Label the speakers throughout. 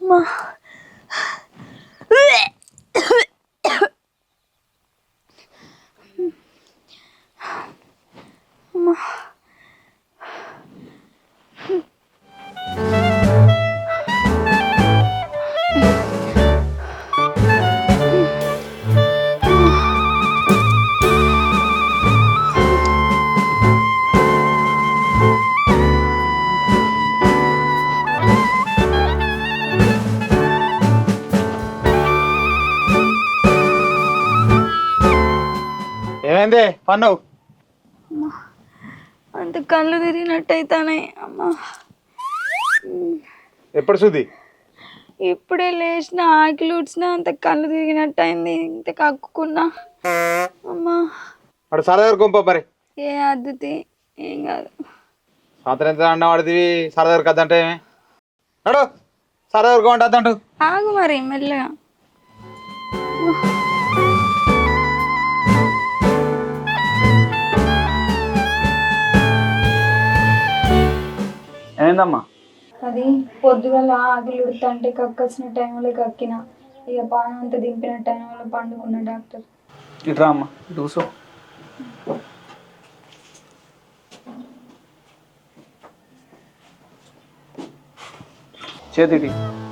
Speaker 1: మా అమ్మా
Speaker 2: ఏమైంది పన్ను?
Speaker 1: అంత కళ్ళు తిరిగినట్టయితానే అమ్మా.
Speaker 2: ఎప్పుడు శుద్ధి?
Speaker 1: ఇప్పుడే లేచిన ఆకిలి ఊడ్చిన అంత కళ్ళు తిరిగినట్టు అయింది. ఇంత కక్కుకున్నా అమ్మా.
Speaker 2: అటు సరదా కొంప మరి.
Speaker 1: ఏ అద్దుతి ఏం కాదు.
Speaker 2: సాయంత్రం ఎంత అన్న వాడిదివి సరదా కద్దంటే ఏమే అడు సరదా కొంట అద్దంటు.
Speaker 1: ఆగు మరి మెల్లగా.
Speaker 2: ఏందమ్మా?
Speaker 1: అది పొద్దుగల ఆకిలి ఉడుతుంటే కక్కొచ్చిన టైంలో కక్కిన, ఇక పానం అంతా దింపిన టైంలో పండుకున్న డాక్టర్.
Speaker 2: ఇట్రా అమ్మా, ఇటు కూసో. చేతి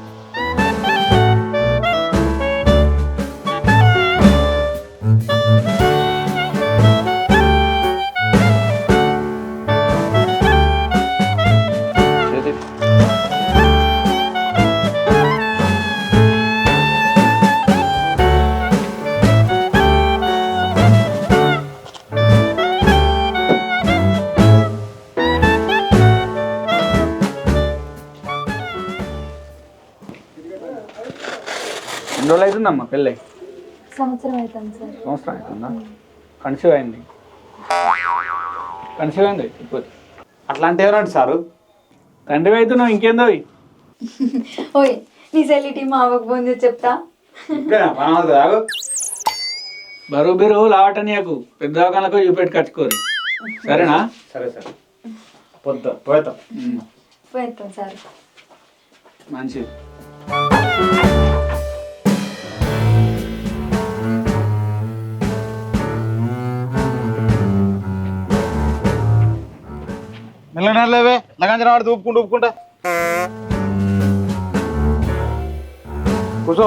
Speaker 2: ఎన్ని రోజులు అవుతుందమ్మా పెళ్ళి?
Speaker 1: సంవత్సరం అవుతుంది సార్.
Speaker 2: సంవత్సరం అవుతుందా? కన్సీవ్ అయింది. కన్సీవ్ అయింది ఇప్పుడు. అట్లాంటి ఏమన్నాడు సారు? తండ్రి అవుతున్నావు ఇంకేందో.
Speaker 1: ఓయ్ నీ సెల్లిటీ మా అవ్వకు ఫోన్ చేసి చెప్తా.
Speaker 2: బరువు బిరువు లావటనియకు, పెద్ద దవాఖానకు చూపెట్టి కట్టుకోరు. సరేనా? సరే సరే పోతాం
Speaker 1: పోతాం సార్.
Speaker 2: మంచిది. మెల్లలేవే లగంజన వాడితే ఊపుకుంటా కూర్చో.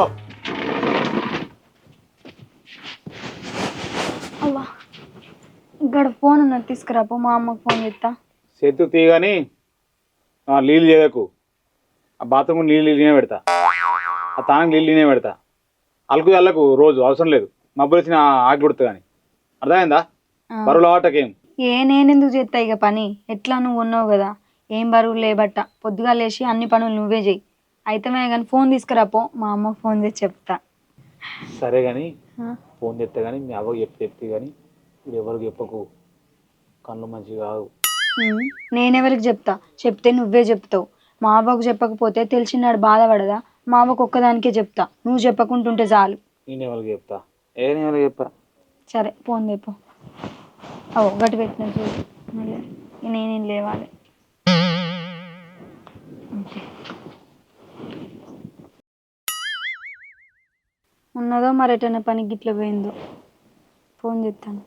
Speaker 1: అవ్వా ఇక్కడ ఫోన్ ఉన్నది తీసుకురాపో, మా అమ్మకు ఫోన్ చేస్తా.
Speaker 2: చేతు తీయగాని నీళ్ళు చేయకు. ఆ బాత్రూమ్ నీళ్ళనే పెడతా, ఆ తానం నీళ్ళనే పెడతా. అలుకు అల్లకు రోజు అవసరం లేదు. మబ్బులు వచ్చిన ఆకి కొడుతుంది కానీ. అర్థమైందా? బరువులు ఆటకేం
Speaker 1: నేనెందుకు చేస్తా ఇక పని. ఎట్లా నువ్వు ఉన్నావు కదా, ఏం బరువు లేబట్ట. పొద్దుగా లేచి అన్ని పనులు నువ్వే చెయ్యి. అయితేమే కానీ ఫోన్ తీసుకురాపో, మా అమ్మకు ఫోన్ చేసి చెప్తా.
Speaker 2: సరే కానీ ఫోన్ చేస్తే కానీ మీ అవ్వకు చెప్తే కానీ ఇప్పుడు ఎవరికి చెప్పకు. కళ్ళు మంచిగా కావు.
Speaker 1: నేనెవరికి చెప్తా? చెప్తే నువ్వే చెప్తావు. మా అవ్వకు చెప్పకపోతే తెలిసినాడు బాధపడదా? మా అవ్వకు ఒక్కదానికే చెప్తా, నువ్వు చెప్పకుంటుంటే చాలు.
Speaker 2: నేను ఎవరికి చెప్తా? నేను ఎవరికి చెప్పా?
Speaker 1: సరే ఫోన్ తెపో. ఓ గట్టి పెట్టిన చూడు, మళ్ళీ నేనేం లేవాలి. ఉన్నదో మరి ఎటైనా పనికి గిట్ల పోయిందో. ఫోన్ చేస్తాను.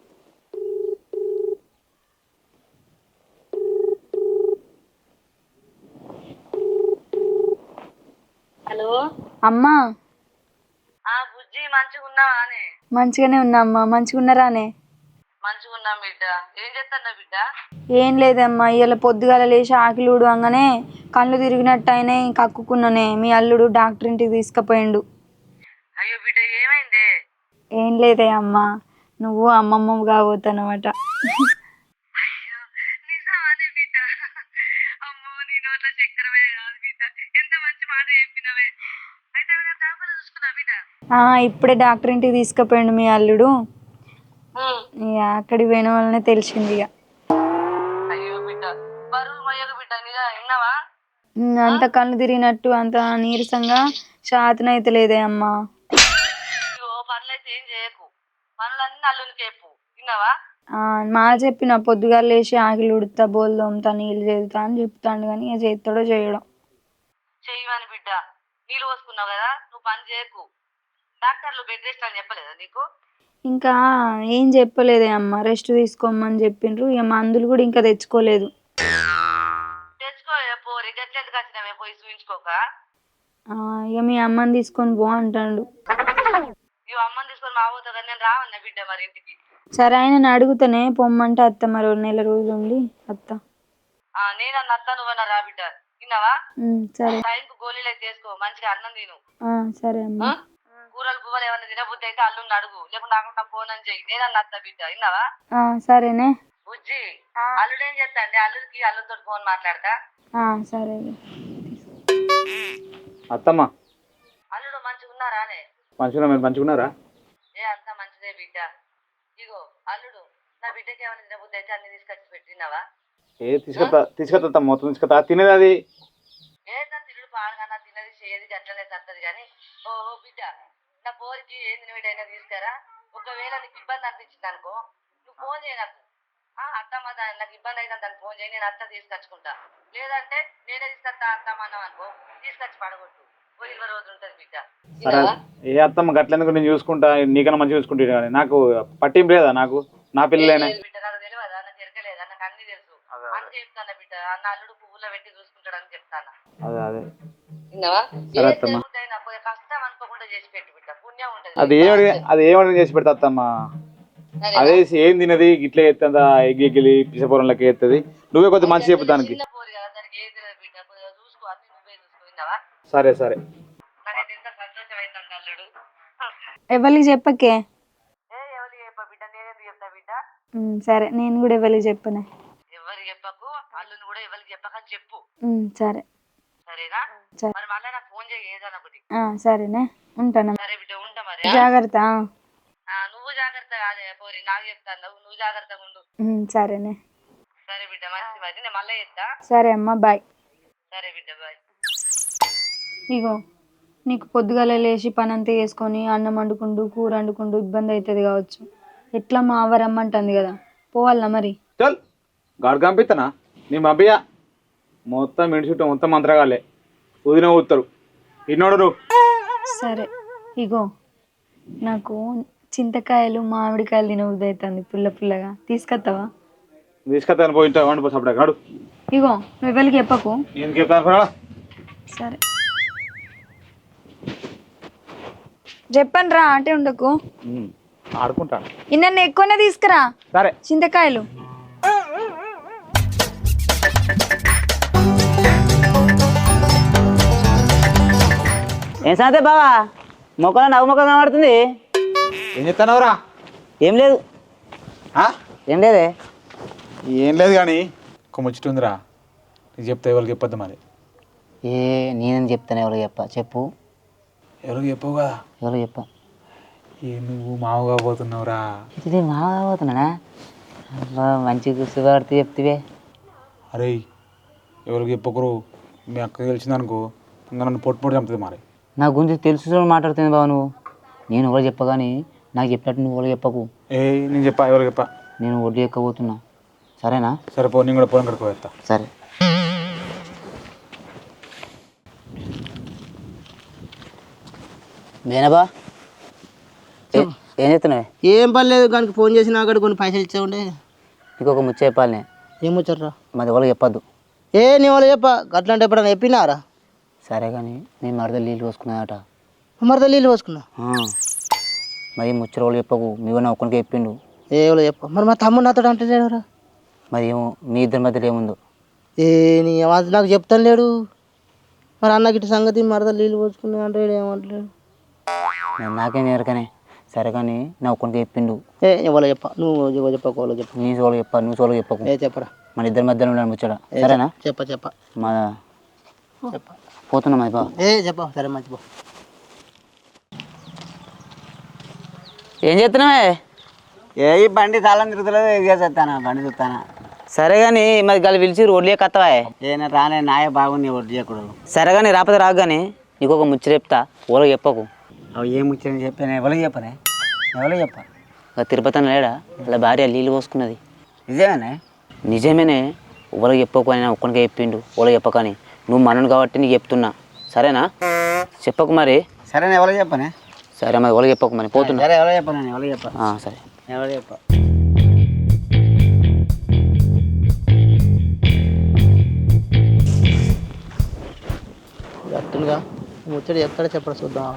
Speaker 3: హలో
Speaker 1: అమ్మా.
Speaker 3: బుజ్జి మంచిగా ఉన్నావానే?
Speaker 1: మంచిగానే ఉన్నా అమ్మా. మంచిగా ఉన్నారానే?
Speaker 3: మంచిగా ఉన్నాం బిడ్డ. ఏం చేస్తాన్నా బిడ్డ?
Speaker 1: ఏం లేదమ్మా, ఇవాళ పొద్దుగాల లేచి ఆకిలి ఊడవంగానే కళ్ళు తిరిగినట్టు అయినాయి, కక్కుకున్నానే. మీ అల్లుడు డాక్టర్ ఇంటికి తీసుకుపోయిండు.
Speaker 3: అయ్యో బిడ్డ ఏమైందే?
Speaker 1: ఏం లేదే అమ్మా, నువ్వు అమ్మమ్మ కాబోతానమాట.
Speaker 3: నిజమానే బిడ్డ? అమ్మో నీ నోట్ల చక్కెరమే కాదు బిడ్డ, ఎంత మంచి మాట చెప్పినవే. అయితే దాఖలు చూసుకున్నా బిడ్డ?
Speaker 1: ఇప్పుడే డాక్టర్ ఇంటికి తీసుకుపోయిండు మీ అల్లుడు. ఇక అక్కడికి పోయిన వల్లనే తెలిసింది. ఇక
Speaker 3: అయ్యో బిడ్డ బరువులు మయ్యకు బిడ్డ, నిజా విన్నావా?
Speaker 1: అంత కళ్ళు తిరిగినట్టు అంత నీరసంగా శాతనైతే లేదే అమ్మా.
Speaker 3: అయ్యో పనులైతే ఏం చేయకు, పనులన్నీ అల్లునికి చెప్పు, విన్నావా?
Speaker 1: మా చెప్పిన పొద్దుగా లేచి ఆకిలి ఉడుతా, బోల్ తోముతా, నీళ్ళు చేదుతా అని చెప్తాడు. కానీ ఇక చేస్తాడో చేయడం.
Speaker 3: చెయ్యమని బిడ్డ, నీళ్ళు పోసుకున్నావు కదా, నువ్వు పని చేయకు. డాక్టర్లు బెడ్ రెస్ట్ అని చెప్పలేదా నీకు?
Speaker 1: ఇంకా ఏం చెప్పలేదే అమ్మ, రెస్ట్ తీసుకోమని చెప్పిండ్రు. ఇక మందులు కూడా ఇంకా తెచ్చుకోలేదు.
Speaker 3: తెచ్చుకో పోరి, గట్లెందుకు వచ్చినావే పోయి చూయించుకోక.
Speaker 1: ఇక మీ అమ్మని తీసుకొని పో అంటాడు.
Speaker 3: ఇవి అమ్మని తీసుకొని మా పోతా కానీ నేను రావన్నా బిడ్డ మరి ఇంటికి.
Speaker 1: సరే ఆయన అడుగుతానే పొమ్మంటే అత్త, మరి నెల రోజులు ఉండి అత్త.
Speaker 3: నేనన్న అత్త, నువ్వన్నా రా బిడ్డ. విన్నావా?
Speaker 1: సరే.
Speaker 3: టైంకు గోళీలు అయితే వేసుకో, మంచిగా అన్నం తిను.
Speaker 1: సరే అమ్మా.
Speaker 3: కూరలు పువ్వులు ఏమన్నా తినబుద్ధి అయితే అల్లుని అడుగు, లేకుంటే నాకు ఫోన్ అని చెయ్యి. నేనన్న అత్త బిడ్డ. విన్నావా?
Speaker 1: సరేనే.
Speaker 3: బుజ్జి, అల్లుడు ఏం చేస్తా అండి? అల్లుడికి అల్లుడితో ఫోన్ మాట్లాడతా.
Speaker 1: సరే.
Speaker 2: అత్తమ్మ
Speaker 3: అల్లుడు మంచిగా ఉన్నారానే?
Speaker 2: మంచిగా మీరు మంచిగున్నారా?
Speaker 3: అంత మంచిదే బిడ్డ. ఇగో అల్లుడు, నా బిడ్డకి ఏమైనా తినబుద్ధి అయితే అన్ని తీసుకొచ్చి పెట్టినావా?
Speaker 2: తీసుకొస్తా మొత్తం తీసుకొస్తా. తినేది అది
Speaker 3: ఏదన్నా తిరుడు పాడుగా తినది చేయది గట్లనే తత్తది కానీ. ఓ బిడ్డ, నా పోరికి ఏం తినవిడైనా తీసుకురా. ఒకవేళ నీకు ఇబ్బంది అనిపించింది అనుకో, నువ్వు ఫోన్ చేయ నాకు. అత్తమ్మ నాకు ఇబ్బంది అయితే దాన్ని ఫోన్ చేయి, నేను అత్త తీసుకొచ్చుకుంటా. లేదంటే నేనే తీసుకొస్తా అత్తమ్మ అన్నావు అనుకో, తీసుకొచ్చి పడగొట్టు. 20 రోజులు ఉంటుంది బిడ్డ.
Speaker 2: ఏ అత్తమ్మ గట్లెందుకు, నేను చూసుకుంటా. నీకన్నా మంచిగా చూసుకుంటా కానీ నాకు పట్టింపు లేదా? నాకు నా పిల్లలేనే
Speaker 3: బిడ్డ. నాకు తెలియదా? నాకు తిరగలేదా? నాకు అన్ని తెలుసు. అందుకే చెప్తాను బిడ్డ, అన్న అల్లుడు పువ్వులో పెట్టి చూసుకుంటాడని చెప్తాను.
Speaker 2: అదే
Speaker 3: విన్నావా? కష్టం అనుకోకుండా చేసి పెట్టి బిడ్డ, పుణ్యం ఉంటుంది.
Speaker 2: అది ఏమని చేసి పెడతా అత్తమ్మ. అదే ఏం తినది ఇట్లా ఎత్తుందా, ఎగ్గిలి పిసపొరంలోకి ఎత్తది. నువ్వే కొద్దిగా మంచి చెప్పు దానికి. సరే సరే.
Speaker 1: ఎవరికి చెప్పకే.
Speaker 3: ఎవరికి చెప్ప బిడ్డ, నేనేందుకు చెప్తా బిడ్డ.
Speaker 1: సరే, నేను కూడా ఎవరికి చెప్పనే.
Speaker 3: ఎవరికి చెప్పకు, అల్లుని కూడా ఎవరికి చెప్పకని చెప్పు.
Speaker 1: సరే.
Speaker 3: సరేనా? మరి మళ్ళీ నాకు ఫోన్ చేయి ఏదన్నా ఒకటి.
Speaker 1: సరేనే, ఉంటాను.
Speaker 3: సరే బిడ్డ, ఉంటా మరి.
Speaker 1: జాగ్రత్త.
Speaker 3: నువ్వు జాగ్రత్త కాదే పోరి, నాకు చెప్తాను. నువ్వు జాగ్రత్తగా ఉండు.
Speaker 1: సరేనే.
Speaker 3: సరే బిడ్డ, మంచి మరి. నేను మళ్ళీ చెప్తా.
Speaker 1: సరే అమ్మ, బాయ్.
Speaker 3: సరే బిడ్డ, బాయ్.
Speaker 1: ఇగో నీకు పొద్దుగాల లేచి పని అంతా చేసుకొని అన్నం వండుకుంటూ కూర వండుకుంటూ ఇబ్బంది అవుతుంది కావచ్చు. ఎట్లా మా అవ్వ రమ్మంటుంది కదా, పోవాలనా మరి?
Speaker 2: చల్ గాడు కంపిస్తానా నీ మబ్బియా మొత్తం ఇంటి చుట్టూ మొత్తం మంత్రగాలే ఊదిన ఊతారు ఇన్నోడు నువ్వు.
Speaker 1: సరే. ఇగో నాకు చింతకాయలు మామిడికాయలు తినబుద్ధి అవుతుంది, పుల్ల పుల్లగా. తీసుకొస్తావా?
Speaker 2: తీసుకొస్తాను, పోయింటా వండి పోయి అప్పుడే గాడు.
Speaker 1: ఇగో నువ్వు వెళ్ళి చెప్పకు.
Speaker 2: నేను చెప్తాను.
Speaker 1: సరే చెప్పండి రా, అంటే ఉండకు.
Speaker 2: ఆడుకుంటాను.
Speaker 1: ఇన్న ఎక్కువనే తీసుకురా.
Speaker 2: సరే.
Speaker 1: చింతకాయలు.
Speaker 4: ఏం సాతే బావా, మొక్కలో నవ్వు మొక్క కనబడుతుంది.
Speaker 2: ఏం చెప్తానవరా?
Speaker 4: ఏం లేదు. ఏం లేదే.
Speaker 2: ఏం లేదు కానీ ఒక ముచ్చట ఉందిరా, నీకు చెప్తా. ఎవరికి చెప్పొద్దు మరి.
Speaker 4: నేనేం చెప్తాను, ఎవరికి చెప్పు.
Speaker 2: ఎవరికి చెప్పవు కదా.
Speaker 4: ఎవరికి చెప్ప.
Speaker 2: నువ్వు మావుగా పోతున్నావురా.
Speaker 4: ఇది మావుగా పోతున్నానా? మంచి శుభవార్త చెప్తివే.
Speaker 2: అరే ఎవరికి చెప్పకరు, మీ అక్కకి తెలిసిందనుకో ఇంకా నన్ను పొట్టు చంపుతుంది మరి.
Speaker 4: నా గురించి తెలుసు మాట్లాడుతుంది బావ నువ్వు. నేను ఎవరు చెప్పగాని నాకు చెప్పినట్టు నువ్వు ఎవరు చెప్పకు.
Speaker 2: నేను చెప్పా, ఎవరికి చెప్పా.
Speaker 4: నేను వడ్డీ ఎక్కబోతున్నా, సరేనా?
Speaker 2: సరే పో, నేను కూడా పొలం కడుకోవేస్తా.
Speaker 4: సరే. నేనబా ఏం చెప్తున్నావే?
Speaker 5: ఏం పని లేదు, కానీ ఫోన్ చేసి నాకు కొన్ని పైసలు ఇచ్చే ఉండే.
Speaker 4: నీకు ఒక ముచ్చ చెప్పాలి.
Speaker 5: ఏం ముచ్చరా?
Speaker 4: మాది ఎవరికి చెప్పద్దు.
Speaker 5: నీ వాళ్ళు చెప్ప అట్లాంటి ఎప్పుడన్నా చెప్పినారా?
Speaker 4: సరే కానీ నేను మరద నీళ్ళు పోసుకున్నాయట.
Speaker 5: మరద నీళ్ళు పోసుకున్నా?
Speaker 4: మరి ముచ్చట వాళ్ళు చెప్పకు, మీ నా ఒక్కరికి చెప్పిండు.
Speaker 5: ఎవరో చెప్ప. మరి మా తమ్ముడు నాతో అంటే లేడురా.
Speaker 4: మరి ఏమో మీ ఇద్దరి మధ్యలో ఏముందో.
Speaker 5: నీ నాకు చెప్తాను లేడు. మరి అన్నకి ఇటు సంగతి మరద నీళ్ళు పోసుకున్నా అంటే ఏమంటలేడు.
Speaker 4: నాకేం ఎరకనే. సరే కానీ నా ఒక్కరికి చెప్పిండు.
Speaker 5: ఎవరో చెప్ప, నువ్వు చెప్పకు, వాళ్ళు చెప్ప.
Speaker 4: నీ సోళ్ళు చెప్పా, నువ్వు సోళ్ళు చెప్పకు.
Speaker 5: చెప్పరా.
Speaker 4: మన ఇద్దరి మధ్యలో ఉన్నాను ముచ్చట, సరేనా?
Speaker 5: చెప్ప
Speaker 4: మా పోతున్నా మరి బా.
Speaker 5: చెప్ప. సరే మంచిపో.
Speaker 4: ఏం చేస్తున్నావే?
Speaker 6: ఈ బండి తాళం తిరుగుతలేదు, ఎగేసేస్తానా బండి చూస్తానా.
Speaker 4: సరే కానీ మరి గల పిలిచి రోడ్లే కత్తవా?
Speaker 6: ఏనా రానే నాయ బాగుంది ఒడ్డు చేయకూడదు.
Speaker 4: సరే కానీ రాకపోతే రాకు కానీ నీకు ఒక ముచ్చట చెప్తా, ఓలో చెప్పకు.
Speaker 6: అవి ఏం ముచ్చని చెప్పాను, ఎవరికి చెప్పనే? ఎవరికి చెప్పా?
Speaker 4: తిరుపతి అని లేడా అలా భార్య నీళ్ళు పోసుకున్నది.
Speaker 6: నిజమేనే?
Speaker 4: నిజమేనే. ఓలో చెప్పకు అని ఒక్కడికే చెప్పిండు. ఓలో చెప్పకని నువ్వు మనను కాబట్టి నీకు చెప్తున్నా, సరేనా? చెప్పకు మరి.
Speaker 6: సరే నేను ఎవరో చెప్పనే.
Speaker 4: సరే మరి ఎవరికి చెప్పకు మరి పోతున్నా.
Speaker 6: సరే ఎవరో చెప్పను, నేను ఎవరో చెప్పను.
Speaker 4: సరే
Speaker 6: ఎవరో చెప్ప.
Speaker 5: అట్టుగా ముచ్చడి చెప్తాడా చెప్పడా చూద్దాం.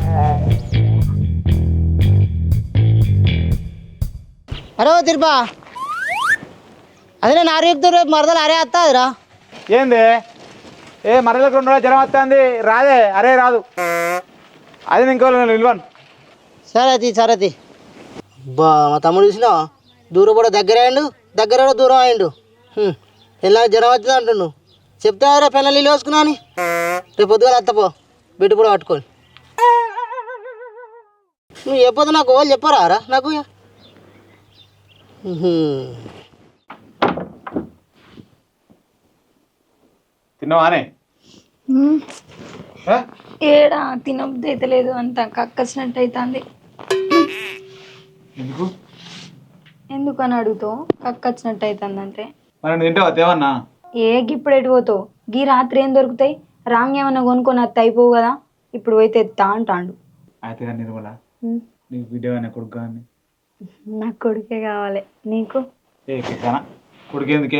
Speaker 5: అరే ఓ తిరుపా, అదే నేను ఆరు చెప్తారు రేపు మరదలు అరే వస్తాదిరా.
Speaker 2: ఏంది మరలకు 2 రోజులు జ్వరం వస్తుంది రాదే? అరే రాదు, అది ఇంకో నిల్వను.
Speaker 5: సరే బా మా తమ్ముడు చూసినావా, దూరం కూడా దగ్గర అయ్యిండు, దగ్గర కూడా దూరం అయ్యిండు. ఎలా జ్వరం వచ్చింది అంటుండు. చెప్తారా పెళ్ళ నీళ్ళు వేసుకున్నా అని. రేపు పొద్దుగా అత్తపో బిడ్డ కూడా పట్టుకొని. నువ్వు చెప్పొద్దు నాకు, వాళ్ళు చెప్పరా నాకు.
Speaker 2: తిన్నావానే?
Speaker 1: ఏడా తినబుద్ధి అయితే లేదు, అంత కక్కసినట్టు అవుతుంది.
Speaker 2: ఎందుకు
Speaker 1: ఎందుకని అడుగుతావు? కక్కచ్చినట్టు అవుతుంది అంటే.
Speaker 2: మరి నువ్వు తింటావా తేవన్నా?
Speaker 1: ఇప్పుడు ఎటు పోతావు? గీ రాత్రి ఏం దొరుకుతాయి? రాంగ్ ఏమన్నా కొనుక్కొని అత్త అయిపోవు కదా. ఇప్పుడు పోయితే ఎత్తా అంటాండు.
Speaker 2: అయితే కానీ నిర్మల, నీకు బిడ్డ కానీ కొడుకు కానీ?
Speaker 1: నాకు కొడుకే కావాలి. నీకు?
Speaker 2: కిసానా కొడుకు ఎందుకే?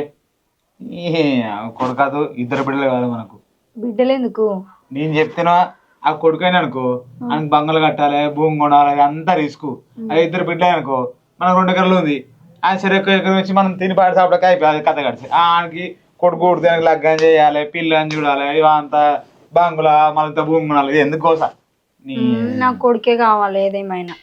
Speaker 2: కొడుకాదు, 2 బిడ్డలు కాదు మనకు.
Speaker 1: బిడ్డలు ఎందుకు?
Speaker 2: నేను చెప్తేనా ఆ కొడుకైనా అనుకో, ఆయనకు బంగలు కట్టాలి, భూమి కొనాలి, అంతా రిస్క్. అది 2 బిడ్డలు అనుకో, మనకు 2 ఎకరాలు ఉంది. ఆయన సరే ఎకరం వచ్చి మనం తిని పాడి సాపడక అయిపోయి కథ కడిచి ఆయనకి కొడుకు కొడుతానికి లగ్గం చేయాలి, పిల్లని చూడాలి, ఇవంతా బంగుల మళ్ళీ భూమి కొనాలి. ఎందుకు కోసా?
Speaker 1: నాకు కొడుకే కావాలి ఏదేమైనా.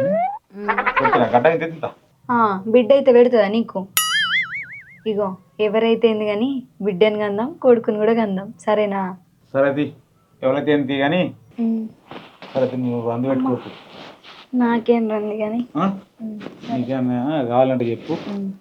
Speaker 2: గడ్డ తింటా.
Speaker 1: బిడ్డ అయితే పెడుతుందా నీకు? ఇగో ఎవరైతే ఏంది కానీ బిడ్డని కందాం, కొడుకుని కూడా కందాం, సరేనా?
Speaker 2: సరే అది ఎవరైతే ఏంటి కానీ సరే నువ్వు అందు పెట్టుకోవచ్చు.
Speaker 1: నాకేం రండి కానీ.
Speaker 2: నీకేమైనా కావాలంటే చెప్పు.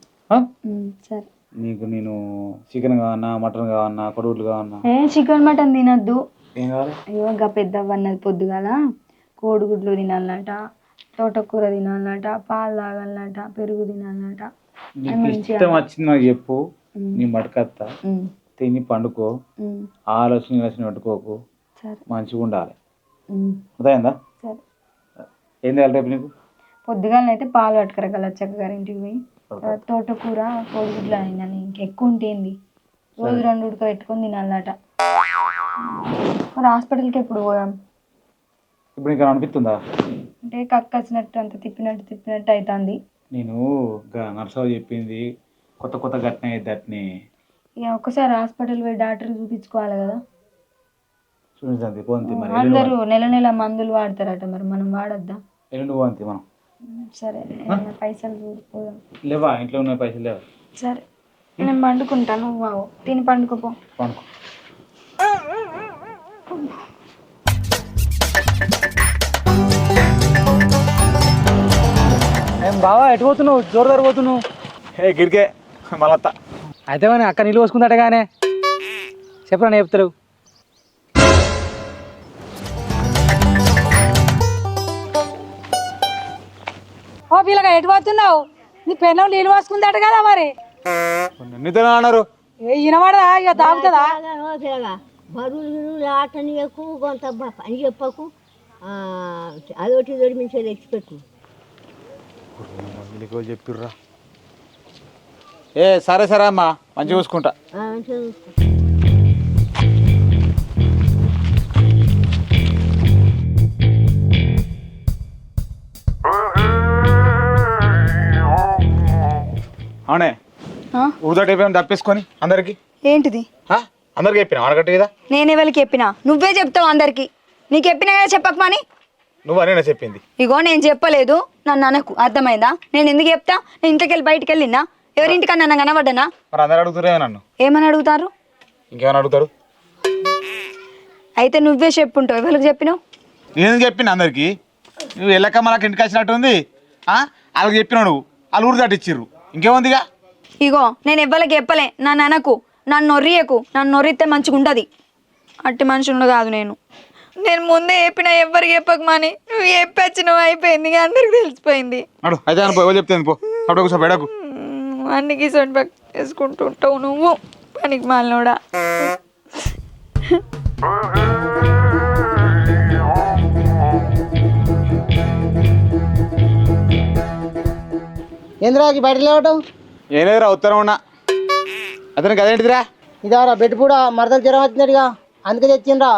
Speaker 1: సరే.
Speaker 2: నీకు నేను చికెన్ కావన్నా, మటన్ కావన్నా, కొడుగులు కావన్నా?
Speaker 1: చికెన్ మటన్ తినద్దు.
Speaker 2: ఏం కావాలి?
Speaker 1: అయ్యో ఇంకా పెద్దవన్నది పొద్దుగాల కోడిగుడ్లు తినాలన్నట, తోటకూర తినాలన్నట, పాలు తాగాలన్నట, పెరుగు తినాలన్నట.
Speaker 2: నీకు ఇష్టం వచ్చింది నాకు చెప్పు, నీ మటుకత్తా తిని పండుకో, ఆలోచన పెట్టుకోకు, మంచిగా ఉండాలి. అర్థమైందా?
Speaker 1: సరే.
Speaker 2: ఏం చేయాలి రేపు నీకు?
Speaker 1: పొద్దుగాలనైతే పాలు పట్టుకరగల చక్కగారింటికి పోయి, తోటకూర కోడిగుడ్లు అయినా ఇంకెక్కువ ఉంటేంది రోజు 2 ఉడక పెట్టుకొని తినాలన్నట. మరి హాస్పిటల్కి ఎప్పుడు పోయాం?
Speaker 2: ఇప్పుడు నీకు అనిపిస్తుందా?
Speaker 1: అంటే కక్కచ్చినట్టు అంత తిప్పినట్టు అవుతుంది.
Speaker 2: నేను నర్సరావు చెప్పింది కొత్త ఘటన అయితే అట్నే.
Speaker 1: ఇక ఒక్కసారి హాస్పిటల్ పోయి డాక్టర్ చూపించుకోవాలి కదా.
Speaker 2: చూడండి పోంతి మరి.
Speaker 1: అందరూ నెల మందులు వాడతారట, మరి మనం వాడద్దా?
Speaker 2: ఎల్లుండి పోంతి మనం.
Speaker 1: సరే, పైసలు చూడిపోదాం.
Speaker 2: లేవా? ఇంట్లో ఉన్న పైసలు లేవా?
Speaker 1: సరే నేను పండుకుంటాను, నువ్వు తిని పండుకోపో.
Speaker 2: పండుకో.
Speaker 6: ఏం బావా ఎటు పోతున్నావు? జోరుదారు పోతున్నావు?
Speaker 2: గిరికే మళ్ళత్త.
Speaker 6: అయితే కానీ అక్క నీళ్ళు పోసుకుందట కానీ చెప్పరా చెప్తారు.
Speaker 7: ఓ పిల్లగా ఎటు పోతున్నావు? నీ పెన్నం నీళ్ళు పోసుకుందట కదా మరి.
Speaker 2: నిద్ర అన్నారు.
Speaker 7: వినబడదా? ఇక తాగుతుందా?
Speaker 8: బరువులు ఆటనియకు, కొంత పని చెప్పకు, అదొకటి ఇదొకటి మంచిగా తెచ్చిపెట్టు.
Speaker 2: చెప్పిర్రా? సరే అమ్మా, మంచిగా చూసుకుంటా.
Speaker 8: మంచిగా చూసుకో.
Speaker 2: అవునే ఊదట అయిపోయాం తప్పేసుకొని అందరికి.
Speaker 1: ఏంటిది?
Speaker 2: అందరికి చెప్పినా అడగట్టు కదా.
Speaker 1: నేను ఎవరికి చెప్పినా? నువ్వే చెప్తావు అందరికి. నీకు చెప్పినా కదా చెప్పకమని.
Speaker 2: నువ్వు అనేనా చెప్పింది?
Speaker 1: ఇగో నేను చెప్పలేదు, నన్ను అనకు, అర్థమైందా? నేను ఎందుకు చెప్తా? నేను ఇంటికి వెళ్ళి బయటికి వెళ్ళినా ఎవరింటికన్నా నన్ను కనబడ్డానా?
Speaker 2: మరి అందరు అడుగుతారే నన్ను.
Speaker 1: ఏమని అడుగుతారు?
Speaker 2: ఇంకేమైనా అడుగుతారు?
Speaker 1: అయితే నువ్వే చెప్పుంటావు. ఎవరికి చెప్పినావు?
Speaker 2: నేను చెప్పిన అందరికి. నువ్వు వెళ్ళక మనకు ఇంటికి వచ్చినట్టుంది. వాళ్ళకి చెప్పినావు, నువ్వు వాళ్ళు ఊరు దాటిచ్చిర్రు, ఇంకేముందిగా.
Speaker 1: ఇగో నేను ఎవ్వరికి చెప్పలే, నన్ను అనకు, నన్ను నొర్రియకు. నన్ను నొర్రితే మంచిగా ఉండదు. అట్టి మనుషులు కాదు నేను. నేను ముందే చెప్పినా ఎవ్వరికి చెప్పకమని. నువ్వు చెప్పొచ్చినావు, అయిపోయింది, అందరికి తెలిసిపోయింది.
Speaker 2: అయితే ఎవరు చెప్తాను పో, అప్పుడు ఒకసారి బెడకు.
Speaker 1: అన్ని గిసోటి పక్క వేసుకుంటూ ఉంటావు నువ్వు, పనికి మాలినోడా.
Speaker 5: ఏంద్రాకి బయట లేవటం
Speaker 2: ఏం లేదురా ఉత్తరం ఉన్నా అతనికి అదేంటిదిరా
Speaker 5: ఇదారా బెడ్ కూడా మరదలు జ్వరం వచ్చినట్టుగా అందుకే తెచ్చిండ్రా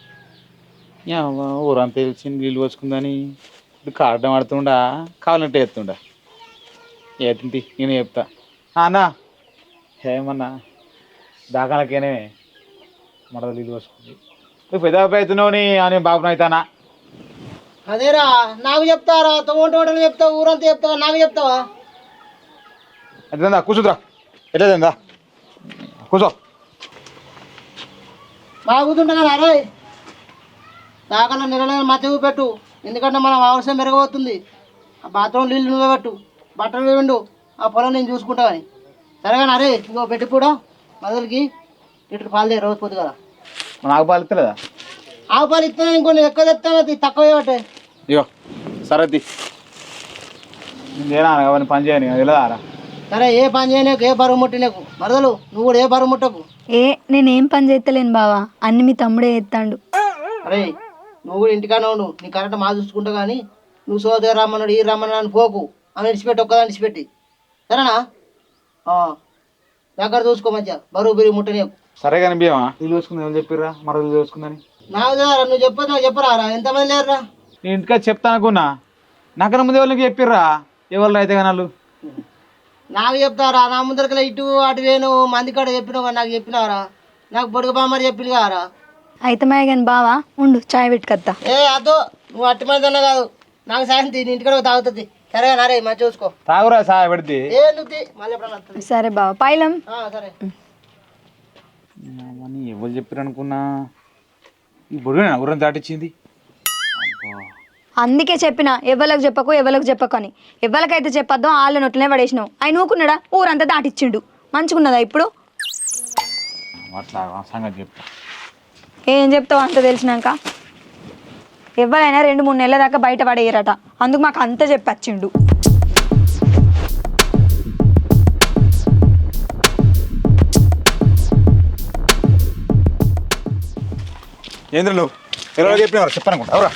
Speaker 2: ఊరంతా తెలిసింది నీళ్ళు పోసుకుందని ఇప్పుడు కారడం ఆడుతుండా కావాలంటే ఎత్తుండా ఎత్తుంది నేను చెప్తా అన్న ఏమన్నా దాకాలకేనే మరద నీళ్ళు పోసుకుంది నువ్వు పెద్ద అవుతున్నావు అని బాబును అవుతానా
Speaker 5: అదేరా నాకు చెప్తారా తోటలు చెప్తావు ఊరంతా చెప్తావా నాకు చెప్తావా
Speaker 2: ఎంతదా కూర్చుందిరా ఎట్లేదా కూర్చో
Speaker 5: బాగా కూర్చుంటా అరే దాకన్నా నెల మధ్య పెట్టు ఎందుకంటే మనం అవసరం మెరగబోతుంది ఆ బాత్రూమ్ నీళ్ళు నువ్వే పెట్టు బట్టలు వెండు ఆ పొలం నేను చూసుకుంటా అని సరేగాని అరే ఇంకో పెట్టి కూడా మొదలకి లీటర్ పాలు రోజు పోదు కదా
Speaker 2: నాకు పాలు ఇస్తలేదా
Speaker 5: ఆవు పాలు ఇస్తాను ఇంకొన్ని ఎక్కువ చెప్తాను తక్కువ ఇవ్వటే
Speaker 2: ఇగో సరద్ది నేనా అవన్నీ పని చేయని వెళ్ళదారా
Speaker 5: సరే ఏ పని చేయలేకు ఏ బరువు ముట్టినకు మరదలు నువ్వు కూడా ఏ బరువు ముట్టకు
Speaker 1: నేనేం పని చేస్తలేను బావా అన్ని మీ తమ్ముడే ఎత్తాడు.
Speaker 5: అరే నువ్వు కూడా ఇంటికానే ఉండు నీ కరెక్ట్ మా చూసుకుంటా కానీ నువ్వు సోదరు రమ్మన్నాడు ఈ రమ్మన్నాడు అని పోకు అని విడిచిపెట్టి ఒక్కదాన్ని విడిచిపెట్టి సరేనా దగ్గర చూసుకో మంచిగా బరువు బిరుగు ముట్టని
Speaker 2: సరే కానీ బియ్యమా నీళ్ళు చూసుకుంది ఎవరు చెప్పిర్రా మరదలు చూసుకుందని
Speaker 5: నాకు తెలియదురా, నువ్వు చెప్పదు నాకు చెప్పరారా ఎంతమంది లేరురా
Speaker 2: నేను ఇంటికా చెప్తా అనుకున్నా నాకన్నా ముందు ఎవరికి చెప్పిర్రా ఎవరు అయితే కానీ వాళ్ళు
Speaker 5: నాకు చెప్తారా నా ముందరకల్లా ఇటు అటు వేను మంది కాడ చెప్పినావు కానీ నాకు చెప్పినారా నాకు బొడుగు బామ్మని చెప్పింది కారా
Speaker 1: అయితే మాయ కానీ బావా ఉండు చాయ్ పెట్టుకత్తా.
Speaker 5: ఏ అదో నువ్వు అట్టి మంది అన్నా కాదు నాకు సాయం తీ నీ ఇంటికాడ తాగుతుంది సరే నరే మంచి చూసుకో
Speaker 2: తాగురా సాయ పెడితే
Speaker 5: ఏ నువ్వు మళ్ళీ ఎప్పుడన్నా వస్తుంది
Speaker 1: సరే బావా పైలం.
Speaker 5: సరే
Speaker 2: ఎవరు చెప్పారు అనుకున్నా ఈ బుడుగునా ఊరం దాటిచ్చింది
Speaker 1: అందుకే చెప్పిన ఎవరికి చెప్పకు అని ఎవరికైతే చెప్పొద్దో వాళ్ళ నొట్లనే పడేసినావు ఆయన ఊకున్నాడా ఊరంతా దాటిచ్చిండు మంచిగున్నదా ఇప్పుడు
Speaker 2: అట్లా సంగతి చెప్తా
Speaker 1: ఏం చెప్తావు అంత తెలిసినాక ఎవరైనా 2-3 నెలల దాకా బయట పడేయరట అందుకు మాకు అంత చెప్పచ్చిండు.
Speaker 2: ఏంద్ర నువ్వు ఎవరో చెప్పినారు చెప్పనుకుంటా ఎవరా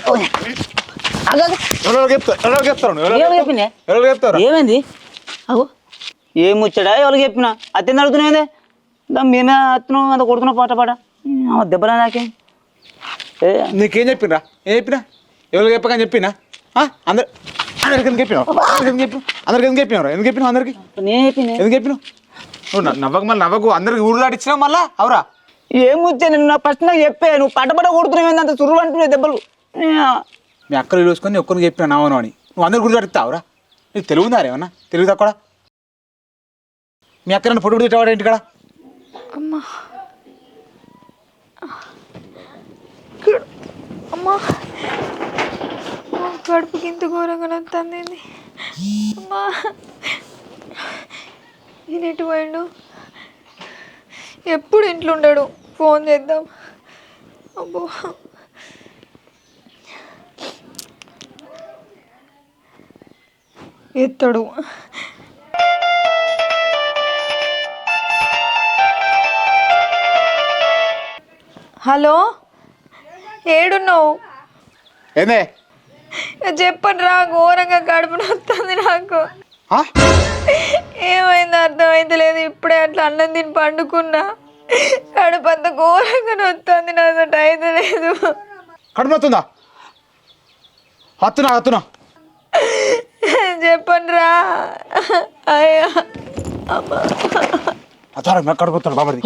Speaker 2: ఎవరో చెప్తారు ఎవరో చెప్తారు
Speaker 4: ఏమైంది అగో ఏం ముచ్చడా ఎవరికి చెప్పినా అత్యంత అడుగుతున్నాయిందే మేమే అత్తున్నావు అంత కొడుతున్నావు పాట పాట దెబ్బలా నాకే
Speaker 2: నీకేం చెప్పినరా ఏం చెప్పినా ఎవరికి చెప్పకని చెప్పినా అందరు అందరికి ఎందుకు చెప్పినావు అందరికి ఎందుకు చెప్పినావు ఎందుకు చెప్పినావు అందరికి
Speaker 4: నేను చెప్పిన
Speaker 2: ఎందుకు చెప్పినావు నువ్వు నవ్వకు మళ్ళీ నవ్వకు అందరికి ఊరు దాటిచ్చినావు మళ్ళా అవురా
Speaker 4: ఏం ముచ్చా నేను నా ఫస్ట్ నాకు చెప్పే నువ్వు పటపట కొడుతున్నావు అంత చురువు అంటున్నావు దెబ్బలు
Speaker 2: మీ అక్కలు చూసుకొని ఒక్కరికి చెప్పినా నావను అని నువ్వు అందరు గుడి దాటిస్తావురా నీకు తెలుగు ఉందా ఏమన్నా తెలుగు తక్కువ మీ అక్క నన్ను పొట్టు తిట్టవాడు ఏంటి ఇక్కడ
Speaker 1: అమ్మా అమ్మా కడుపుకి ఇంత ఘోరంగా నొత్తంది అమ్మా నేను ఎటు పోయిండు ఎప్పుడు ఇంట్లో ఉండడు ఫోన్ చేద్దాం అబ్బో ఎత్తడు హలో ఏడున్నావు
Speaker 2: ఏందే
Speaker 1: చెప్పండి రా ఘోరంగా కడుపు నొస్తుంది నాకు ఏమైంది అర్థమైతలేదు ఇప్పుడే అట్లా అన్నం తిని పండుకున్నా కడుపు అంత ఘోరంగా నొస్తుంది నాకు అయితే లేదు
Speaker 2: కడుపు నొత్తుందా హత్తునా
Speaker 1: చెప్పండి రా అయ్యా
Speaker 2: అతను కడుపుతాడు బాబడి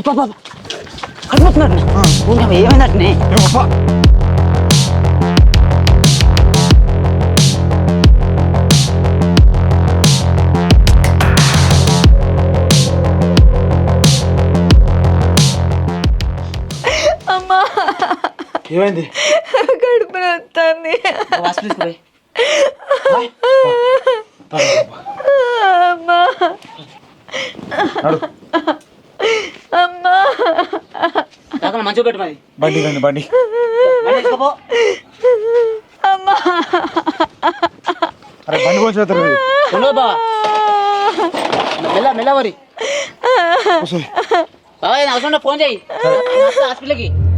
Speaker 4: ఏమైందట్నే
Speaker 1: అమ్మా
Speaker 2: ఏమైంది
Speaker 1: కడుపు నొస్తుంది అమ్మా అమ్మా
Speaker 4: మంచిగా పెట్టు మరి
Speaker 2: బండి రండి బండి
Speaker 1: అమ్మా
Speaker 2: అరే బండి కొంచెం
Speaker 4: బా మెల్ల వరి బాబాయ్ అవసరం ఫోన్ చేయి హాస్పిటల్కి